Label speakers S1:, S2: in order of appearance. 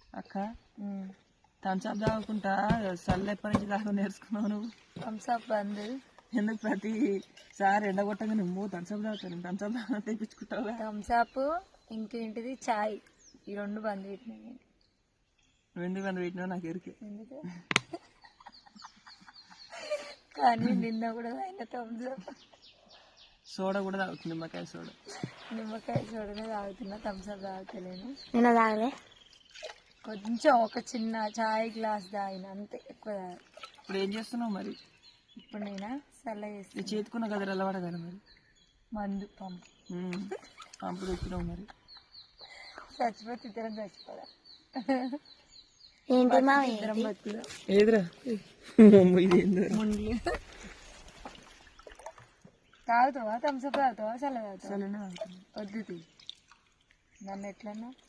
S1: అక్క థమ్స్అప్ తాగుకుంటా చల్ల ఎప్పటి నుంచి తాగు నేర్చుకున్నావు నువ్వు?
S2: థమ్స్అప్ బంద్
S1: ఎందుకు ప్రతిసారి ఎండగొట్టగా నువ్వు థమ్స్అప్ తాగుతాను థమ్స్అప్ తెప్పించుకుంటావు?
S2: థమ్స్అప్ ఇంకేంటిది చాయ్, ఈ రెండు బంద్ పెట్టినా నేను.
S1: ఎందుకు బంద్ పెట్టినావు నాకు ఎరికే.
S2: ఎందుకు కానీ నిన్న కూడా తాగిన థమ్స్అప్.
S1: సోడా కూడా తాగుతుంది, నిమ్మకాయ సోడా.
S2: నిమ్మకాయ సోడానే తాగుతున్నా, థమ్స్అప్ తాగుతలేను.
S3: నిన్న తాగలే,
S2: కొంచెం ఒక చిన్న చాయ్ గ్లాస్ తాగిన అంతే, ఎక్కువ తాగ.
S1: ఇప్పుడు ఏం చేస్తున్నావు మరి?
S2: ఇప్పుడు నేనా చల్ల చేస్తాను.
S1: చేతుకున్న గదిలో అలవాడ కదా మరి.
S2: మందు పంపు
S1: పంపు తెచ్చినావు మరి.
S2: చచ్చిపోతే ఇద్దరం చచ్చిపోదా?
S3: ఏంటి మా
S2: ఇద్దరం బతుకుదా?
S1: ఏదిరా
S2: ముండ్లు తాగుతావా? థమ్స్అప్ తాగుతావా? చల్ల తాగుతావా?
S1: చల్లనే తాగుతుంది.
S2: వద్దు నన్ను ఎట్లన్నా